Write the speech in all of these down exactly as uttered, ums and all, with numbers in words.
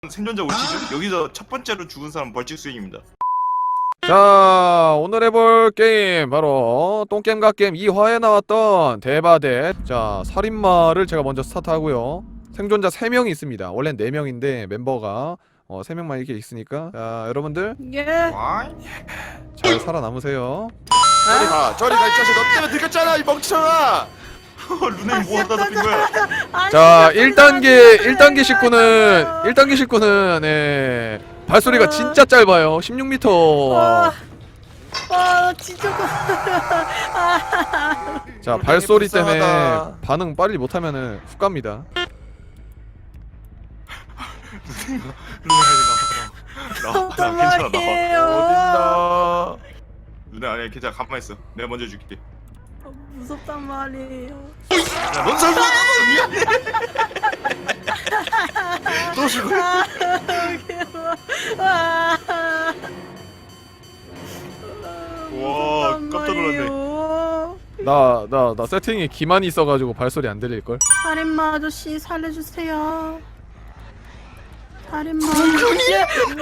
생존자 올 시즌 여기서 첫 번째로 죽은 사람 벌칙 수행입니다. 자, 오늘 해볼 게임 바로 똥게임갓게임 이 화에 나왔던 대바대. 자, 살인마를 제가 먼저 스타트하고요. 생존자 세 명이 있습니다. 원래는 네 명인데 멤버가 어, 세 명만 이렇게 있으니까. 자, 여러분들 예. 와이. 잘 살아남으세요. 저리 가, 저리 가, 이 자식. 너 때문에 들켰잖아, 이 멍청아. 루네이 뭐 하다 잡힌 거야? 자, 일 단계 일 단계 식구는 일 단계 식구는 예. 발소리가 진짜 짧아요. 십육 미터. 와, 와 진짜 거. 자, 발소리 때문에 불쌍하다. 반응 빨리 못하면은 훅 갑니다. 루네이 나와. 나와. 어떤 괜찮아 나와. 말이에요? 어딨나? 루네 아니야 괜찮아 가만 있어. 내가 먼저 줄게. 어, 무섭단 말이에요. 넌 설마 미안해. 너 죽어. 아, 귀여워. 아, 와 무섭단 깜짝 놀랐네. 말이에요. 나 나 나 세팅에 기만이 있어가지고 발소리 안 들릴 걸. 살인마 아저씨 살려주세요. 살인마 아저씨.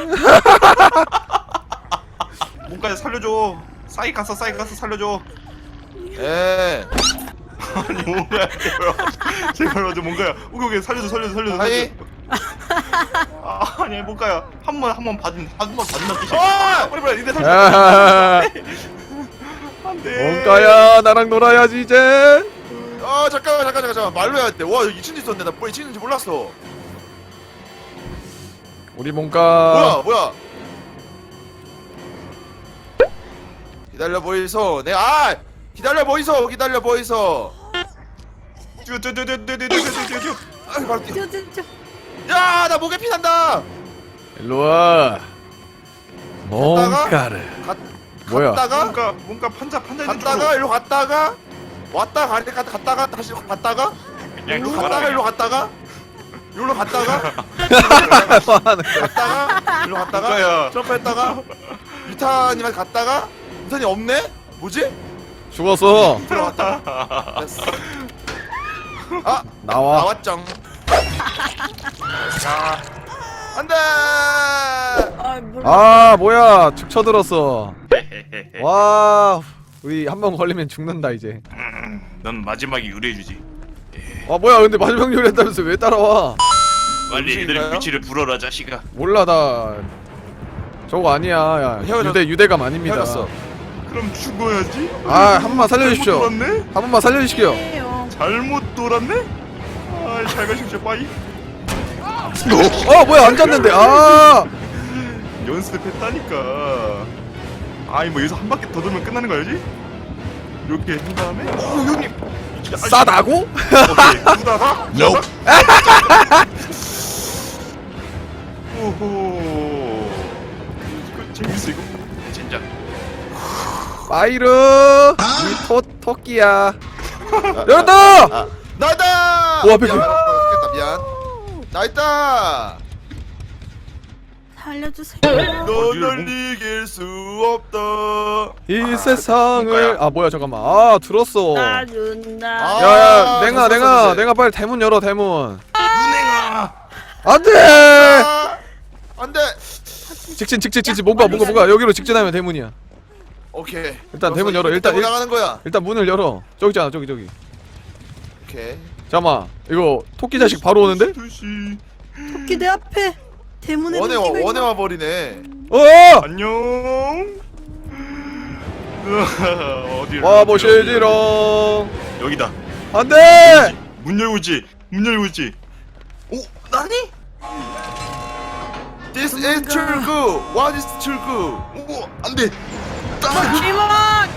뭔가 살려줘. 싸이 갔어 싸이 갔어 살려줘. 에, 아니 뭔가야 제발 제발 맞아 뭔가야. 오케이 오케이 살려줘 살려줘 살려줘. 아니. 살려줘. 아 아니 뭔가야 한 번 한 번 받은 한 번 받는 뜻이. 어! 빨리 빨리 니네 살려. 야, 안돼. 뭔가야 나랑 놀아야지 이제. 어, 잠깐만, 잠깐, 잠깐, 잠깐. 말로 해야 돼. 와, 여기 이층 있었네. 나 뭐 이층인지 몰랐어. 우리 뭔가 뭐야, 뭐야? 기다려 보이소. 내 아, 기다려 보이소. 기다려 보이소. 쭈쭈쭈쭈쭈쭈쭈쭈. 아, 바로 뛰어. 저, 저, 저. 야, 나 목에 피 난다. 일로와. 뭔가를. 갔, 뭐야? 갔다가, 뭔가 뭔가 판자 판자 있는 쪽으로. 갔다가, 일로 갔다가, 왔다 가니 갔다 갔다가 다시 갔다가, 그냥 일로 가라, 갔다가, 그냥. 일로 갔다가, 일로 갔다가, 갔다가, 일로 갔다가, 뭔가야. 점프했다가, 유타님한테 갔다가, 유타님 없네? 뭐지? 죽었어. 들어갔다가, 됐어. 아, 나와. 나왔쩡. 야, 안돼. 아, 몰라. 아 뭐야 축 쳐들었어. 와 우리 한 번 걸리면 죽는다 이제. 넌 마지막에 유리해주지. 아 뭐야 근데 마지막 요리했다면서 왜 따라와? 빨리 애들의 음식인가요? 위치를 불어라 자식아. 몰라 나 저거 아니야. 야, 헤어졌- 유대 유대감 아닙니다. 헤어졌어. 그럼 죽어야지. 아 한 번만 살려주십시오. 잘못 돌았네. 한 번만 살려주십시오. 아니에요. 잘못 돌았네. 아, 잘 가십시오 빠이. 어 뭐야 안 잤는데. 아 연습했다니까. 아니 뭐 여기서 한 바퀴 더 돌면 끝나는 거 알지? 이렇게 한 다음에. 오 형님. 아, 싸다고? 오케이. 두다가. nope. 오호. 이거 재밌어 이거. 진짜. 파이르 우리 토 토끼야. 열었다. 아, 나다. 오, 앞에 미안, 그- 미안, 미안. 나 있다. 살려주세요. 너널 이길 수 없다. 이 세상을 뭔가야? 아 뭐야 잠깐만 아 들었어. 놔준다. 아. 야야 냉아 됐어, 냉아 됐어. 냉아 빨리 대문 열어 대문. 눈행아. 안돼. 아, 안돼. 직진 직진 직진 뭔가 뭔가 뭔가 여기로 직진하면 대문이야. 오케이. 일단 대문 열어. 일단 일- 나가는 거야. 일단 문을 열어. 저기 있잖아 저기 저기. 오케이. 잠깐만 이거 토끼 자식 바로 오는데? 두시. 토끼 내 앞에. 대문에 원에 와, 토끼가 원에 있나? 와 버리네. 어! 안녕. 어디로? 와 보시지롱. 여기다. 안돼. 문 열고 있지. 문 열고 있지. 오 나니? This is 출구. What is 출구? 오 안돼. 이만.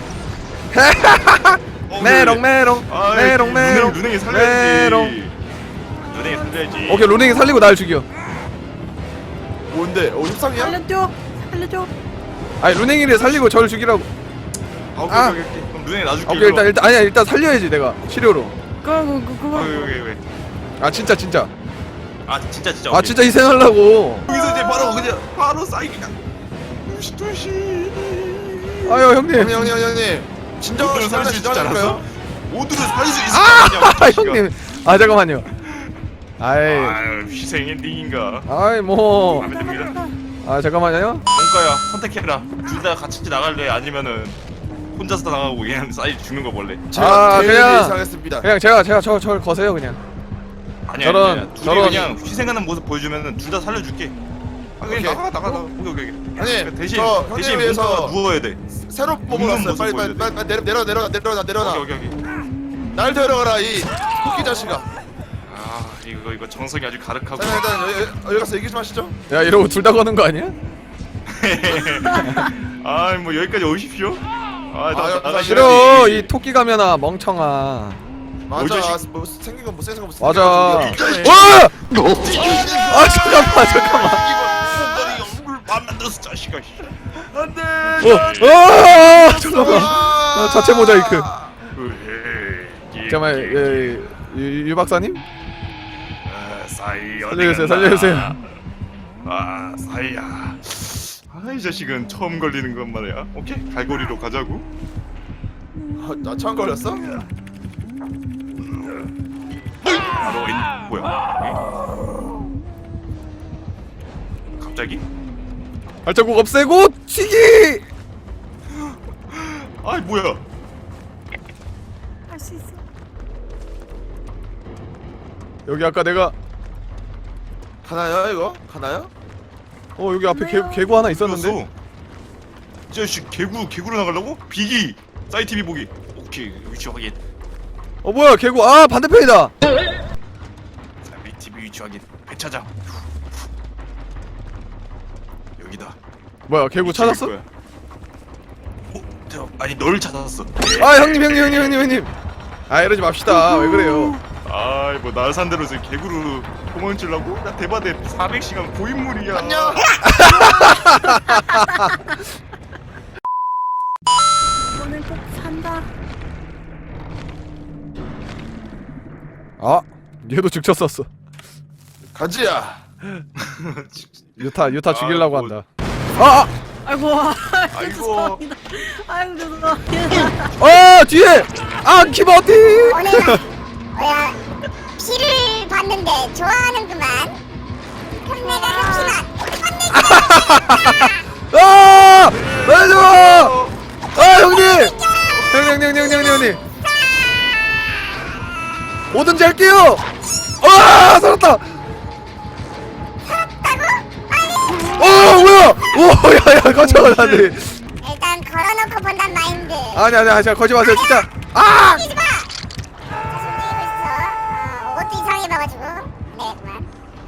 메롱 메롱 메롱 메롱 눈행이 메롱. 살려야지. 눈행이 살려야지. 오케이 루닝이 살리고 날 죽여. 뭔데? 어, 협상이야? 살려줘. 살려줘. 아니 루닝이를 살리고 저를 죽이라고. 아, 오케이, 아. 오케이, 오케이. 그럼 눈행이 놔줄게. 오케이 일단 일단 아니야 일단 살려야지 내가 치료로. 그거 그거 그거. 오케이 오케이 오케이. 아 진짜 진짜. 아 진짜 진짜. 아 오케이. 진짜 희생하려고. 여기서 이제 바로 그냥 바로 싸이 그냥. 두시 두시. 아유 형님. 형님, 형님, 형님. 진정을 모두를 살릴 수 있지 않았어? 진정할까요? 모두를 살릴 수 있을 아 거 아니야. 형님. 아 잠깐만요. 아이 아유 희생 엔딩인가. 아이 뭐 마음에 듭니다. 아 잠깐만요. 뭔가야 선택해라. 둘 다 같이 나갈래 아니면은 혼자서 나가고 그냥 싸이 죽는 거 볼래? 제가 아, 제일 그냥- 예상했습니다. 그냥 제가 제가 저 저 거세요 그냥. 아니야 저런- 아니야. 둘이 저런- 그냥 희생하는 모습 보여주면은 둘 다 살려줄게. 아 그냥 오케이. 나가 나가 나가. 오케이 오케이. 오케이. 형님, 대신 저 형님 대신 위해서- 뭔가 누워야 돼. 새로 웃는 뽑아놨어요. 모습 빨리 빨리 보여줘야 빨리 내려 내려 내려 내려놔 내려놔. 오케이 오케이 오케이. 날 데려가라 이 토끼 자식아. 아 이거 이거 정성이 아주 가득하고. 자 일단 여기, 여기 가서 얘기 좀 하시죠. 야 이러고 둘 다 거는 거 아니야? 아 뭐 여기까지 오십시오. 아, 아, 나, 야, 나가 싫어 이 토끼 가면아 멍청아. 맞아. 자식? 뭐 생긴 건뭐 생긴 건뭐 맞아. 어! 아 잠깐만 잠깐만. 얼굴 밥 만들었어 자식아. 안돼. 어, 어, 잠깐만. 아, 자체 모자이크. 잠깐만, 예, 유, 유 박사님? 사이 살려주세요, 살려주세요. 아 사이야. 아이 자식은 처음 걸리는 것 말이야. 오케이 갈고리로 가자고. 나 처음 걸렸어? 바로 인 뭐야? 응? 갑자기? 발자국 없애고 튀기. 아이 뭐야? 할 수 있어. 여기 아까 내가 가나요 이거? 가나요? 어 여기 앞에 개, 개구 하나 있었는데. 있었는데? 이 자식 개구 개구로 나가려고? 비기 사이 티비 보기. 오케이 위치 확인. 어 뭐야 개구 아 반대편이다. 사이 티비 위치 확인. 배차장. 여기다. 뭐야 개구 위치 찾았어? 거야. 어? 대박. 아니 널 찾았어. 아 형님 형님 형님 형님 형님. 아 이러지 맙시다. 왜 그래요? 아이 뭐 날 산대로 지금 개구로 도망치려고? 나 대바대 사백 시간 고인물이야. 안녕. 이번엔 꼭 산다. 아 얘도 즉쳐 썼어. 가지야. 유타 유타 죽이려고 아, 한다. 아! 아이고. 아이고. 죄송합니다. 아이고 죄송합니다. 아! 아 뒤에! 아 키버티! 오늘 뭐야 피를 봤는데 좋아하는구만. 그럼 내가 합시다. 아! 말해줘! 아 형님! 형님 형님 형님 형님 뭐든지 할게요! 아 살았다! 어 뭐야! 오 야야 깜짝아 나네. 일단 걸어놓고 본단 마인드. 아니 아니 아니 거짓 마세요 진짜. 아! 뛰지 마. 손님이 있어. 어, 옷도 이상해 봐가지고. 네 그만.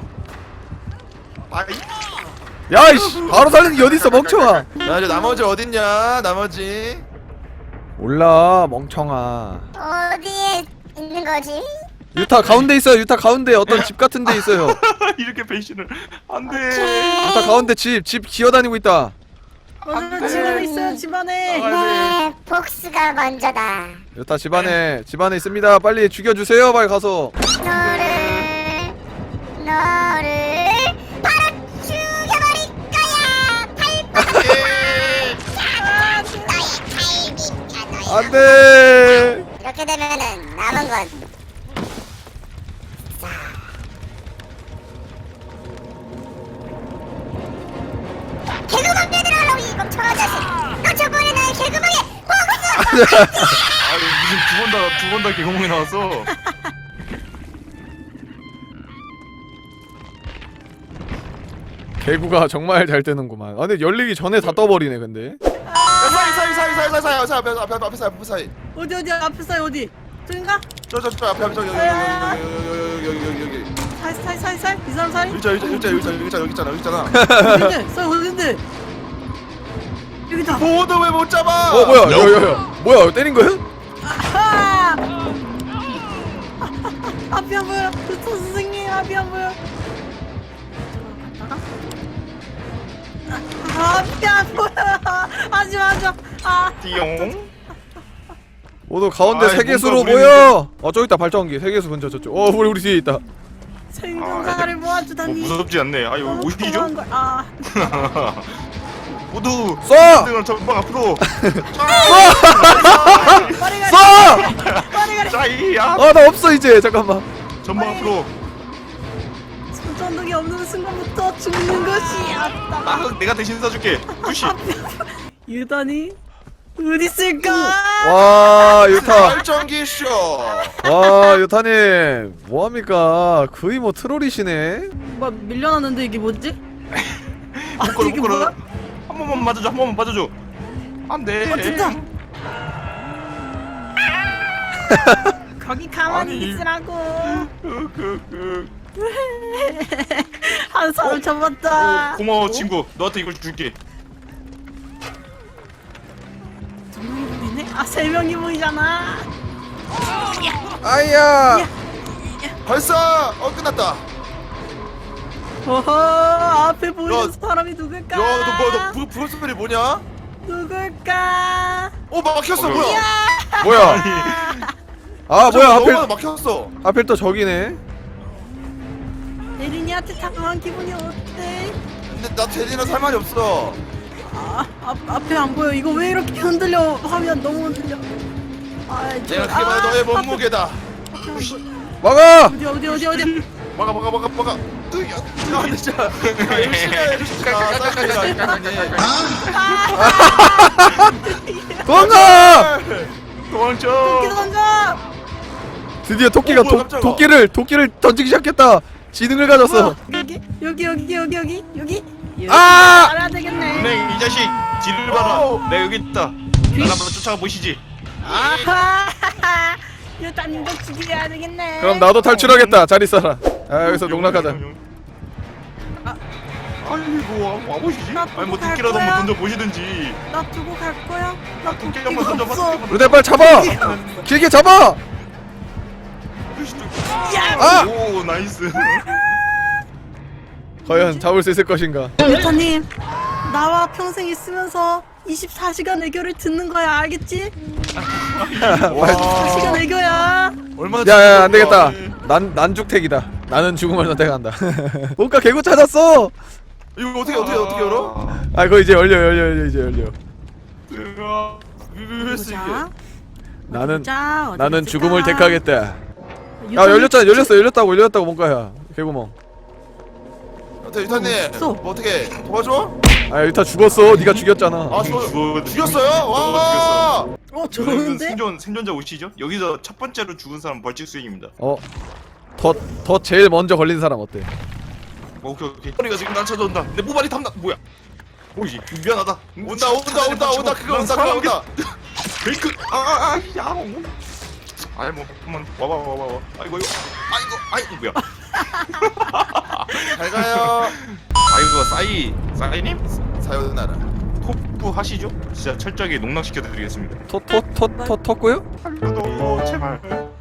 아이. 야이씨 바로 살리는 게 어딨어 멍청아. 나 이제 나머지 어딨냐? 나머지. 몰라 멍청아. 어디에 있는 거지? 유타 가운데 있어요. 유타 가운데 어떤 집 같은 데 있어요. 이렇게 배신을 안돼. 유타 가운데 집 집 기어다니고 있다. 맞아요. 집안에 있어요. 집안에. 네 복수가 먼저다. 유타 집안에 집안에 있습니다. 빨리 죽여주세요. 빨리 가서. 너를 너를 바로 죽여버릴 거야. 발바닥. 너의 갈비뼈 너의. 안돼. 이렇게 되면은 남은 건 자. 개구멍에 들어가라고 이 멍청한 자식. 너 저번에 나의 개구멍에 먹었어. 아니 무슨 두 번 다 두 번 다 개구멍이 나왔어. 개구가 정말 잘 뜨는구만. 아 근데 열리기 전에 다 떠버리네 근데. 사이 사이 사이 사이 사이 사이 사이 앞에 앞에 앞에 앞에 사이 앞에 사이. 어디 어디 앞에 사이 어디? 저긴가? 저 저 저 앞에 앞에 저기 여기 여기 여기 여기 여기 여기 여기. 사이 사이 사이 사이 이 사람 사이? 일자 일자 일자 일자 여기 있잖아 여기 있잖아 여기 있잖아. 어딘데? 사이 어딘데? 여기다. 보드 왜 못 잡아? 어 뭐야? 야야야. 뭐야 때린 거야? 아! 앞이 안 보여. 저 선생님 앞이 안 보여. 아, 앞이 안 보여. 하지 마, 하지 마. 아, 띠용. 모두 가운데 아이, 세계수로 뭔가 모여. 어 저기 있다 발전기. 세계수 근처 저쪽. 어 우리 우리 뒤에 있다. 생존자를 뭐 모아주다니. 무섭지 않네. 아 이거 너무 오시죠? 평범한 걸- 아, 모두 쏴! 등을 전방 앞으로. 머리가 쏴! 머리가 자이야. 아 나 없어 이제 잠깐만. 전방 앞으로. 전동이 없는 순간부터 죽는 것이 아따. 아, 내가 대신 써줄게. 푸시. 유단이 어디 있을까? 와 유타 발전기 쇼. 와 유타님 뭐합니까 거의 뭐 트롤이시네. 뭐 밀려났는데 이게 뭐지? 아 묶어라 이게 묶어라. 뭐야? 한 번만 맞아줘. 한 번만 맞아줘. 안 돼. 어 진짜. 거기 가만히 아니. 있으라고. 그, 그, 그. 한 사람 잡았다. 오, 고마워 친구. 너한테 이걸 줄게. 두 명이 보이네? 아 세 명이 보이잖아. 아이야 발사. 어 끝났다. 어허 앞에 보이는 야, 사람이 누굴까? 야너뭐너 불 소리 뭐냐? 누굴까? 어 막혔어 어, 뭐야? 뭐야 아 뭐야 너무 하필 막혔어. 하필 또 저기네. 예린이한테 다가간 기분이 어때? 근데 나 제리나 살 말이 없어. 아, 앞, 앞에 안 보여. 이거 왜 이렇게 흔들려? 화면 너무 흔들려. 아, 저, 내가 그게 바로 너의 몸무게다. 앞에 안 보여. 막아 어디 어디 어디 어디? 막아 막아 막아 막아. 으야. 야 진짜. 야, 열심히 해. 아, 사이클이다. 도망가 도망쳐. 토끼 던져. 드디어 토끼가 어, 뭐야, 도, 깜짝아. 도끼를 도끼를 던지기 시작했다. 지능을 가졌어. 여기 여기 여기 여기 여기 여기. 여기. 아! 알아야 되겠네. 네, 이 자식 뒤를 봐라. 내가 여기 있다. 날 한번 쫓아가 보시지. 아하. 유단님도 죽여야 되겠네. 그럼 나도 탈출하겠다. 잘 있어라. 아 여기서 농락하자. 아니 뭐 와보시지? 나 아니 뭐 갈 도끼라도 거야? 한번 던져 보시든지. 나 두고 갈 거야. 나 도끼 도끼가 한번 던져봐. 없어. 도끼 한번 루데 빨리 잡아. 길게 잡아. 야. 아! 오 나이스. 과연 잡을 수 있을 것인가? 유타님, 나와 평생 있으면서 이십사 시간 애교를 듣는 거야, 알겠지? 이십사 시간 애교야. 얼마나 야야 안 되겠다. 네. 난 난죽택이다. 나는 죽음을 선택한다. 뭔가 개구 찾았어. 이거 어떻게 어떻게 어떻게 열어? 아 그거 이제 열려 열려 열려 이제 열려. 제가 왜 했어 이게? 보자. 나는 보자, 어디 나는 있을까? 죽음을 택하겠다. 야 유타님 열렸잖아 진짜- 열렸어 열렸다고 열렸다고 뭔가야 개구멍. 어때 유타님? 없어. 뭐 어떻게 도와줘? 아 일단 죽었어. 네가 죽였잖아. 아 죽, 죽어- 죽였어요? 와. 어, 여러분 좋은데? 생존 생존자 오시죠? 여기서 첫 번째로 죽은 사람 벌칙 수행입니다. 어. 더 더 제일 먼저 걸린 사람 어때? 어, 오케이 오케이. 허리가 지금 날 찾아온다. 내 모발이 탐나. 뭐야? 오이씨 미안하다. 온다 온다 온다 온다 그거 온다 그거 온다. 베이크. 아아아 야. 아이 뭐 한번 와봐 와봐 와봐. 아이고 이거 아이고 아이고 뭐야? 잘 가요. 아이고 싸이 싸이님 사요나라. 토프 하시죠? 진짜 철저하게 농락시켜드리겠습니다. 토토토토 토고요? 살려줘 제발.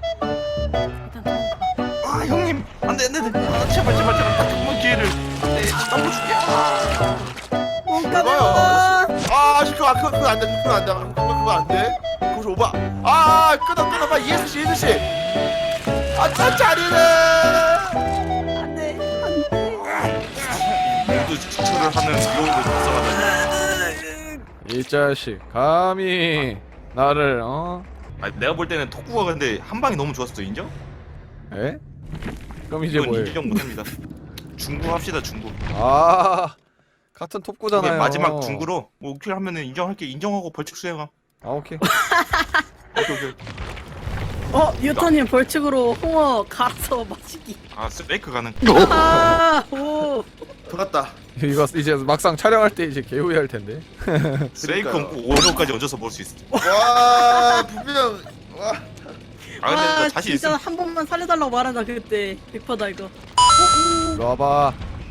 아 형님 안돼 안돼 안돼. 아, 제발 제발 제발 딱 한 번 기회를. 네 넘어줄게. 뭔가 봐요. 봐. 아 그거 아, 그거 그거 안 돼. 그거 안 돼. 그거 그거 안 돼. 그거 오바. 아 끊어 끊어 봐 예수 씨 예수 씨. 아차 자리네. 안 돼, 안 돼. 모두 지처를 하는 이유를 작성하다. 이 자식 감히 나를 어? 아 내가 볼 때는 토쿠가 근데 한 방이 너무 좋았어. 인정? 에? 그럼 이제 이건 뭐해? 인정 못합니다. 중구 합시다 중구. 아 같은 이게 톱구잖아요. 마지막 중구로 뭐 오킬 하면은 인정할게. 인정하고 벌칙 수행함. 아 오케이. 오케이 오케이. 어, 유타님 벌칙으로 홍어 갈아서 마시기. 아 스페이크 가능. 아, 오. 들어갔다. 이거 이제 막상 촬영할 때 이제 개후회할 텐데. 스페이크는 꼭 오류까지 얹어서 볼 수 있어. 와 분명 와. 아 근데 나 자신 진짜 있어. 한 번만 살려달라고 말하자 그때 백 퍼센트다 이거. 이리 와봐.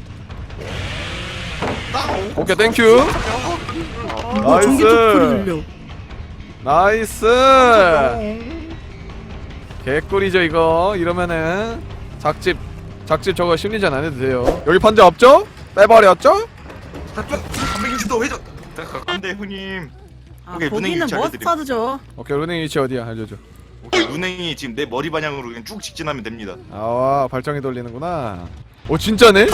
오케이 땡큐. 뭐 전기 소리 나이스. 들려. 나이스. 개꿀이죠 이거. 이러면은 작집 작집 저거 심리전 안 해도 돼요. 여기 판자 없죠? 빼버렸죠? 삼백육십 도 회전. 안돼 형님. 아, 오케이, 루냉이 거기는 위치 알려드림. 머스타드죠. 오케이 루닝 위치 어디야? 알려줘. 오케이 루냉이 지금 내 머리 방향으로 그냥 쭉 직진하면 됩니다. 아와 발정이 돌리는구나. 오 진짜네?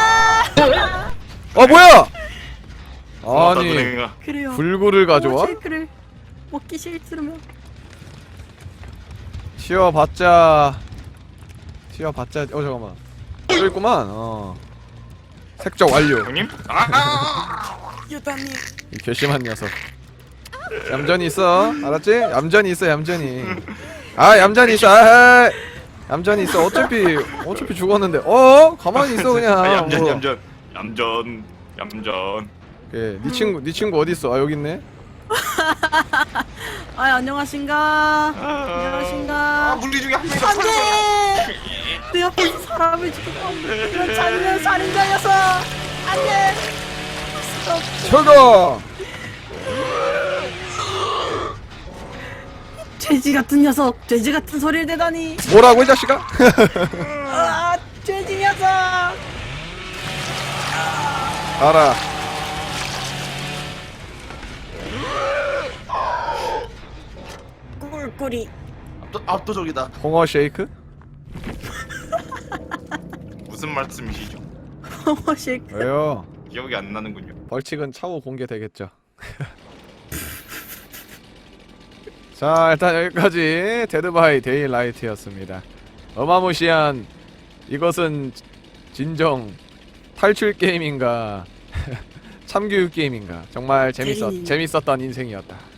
어 뭐야? 고맙다, 아니 루냉아. 그래요. 불구를 가져와? 쉐이크를 먹기 싫으면 튀어봤자 튀어봤자 어 잠깐만 또 있구만. 어. 색적 완료. 형님? 아, 아, 유다님. 이 괘씸한 녀석. 얌전히 있어. 알았지? 얌전히 있어. 얌전히. 아 얌전히 있어. 아, 얌전히 있어. 어차피 어차피 죽었는데. 어? 가만히 있어 그냥. 아, 얌전, 뭐. 얌전, 얌전, 얌전. 예, 네 친구 네 친구 어디 있어? 아 여기 있네. 아 안녕하신가. 아, 안녕하신가. 물리 중에 한 명이 더 안돼. 살았어. 내 옆에서 사람을 죽였다. 이런 잔인한 살인자여서 안돼. 저거. 돼지 같은 녀석. 돼지 같은 소리를 대다니. 뭐라고 이 자식아? 아 돼지 녀석. 알아. 꿀꿀이. 압도, 압도적이다. 홍어 쉐이크? 무슨 말씀이시죠? 허식. 왜요? 기억이 안 나는군요. 벌칙은 차후 공개되겠죠. 자 일단 여기까지 데드바이 데일라이트였습니다. 어마무시한 이것은 진정 탈출 게임인가 참교육 게임인가 정말 재밌었 게임이네. 재밌었던 인생이었다.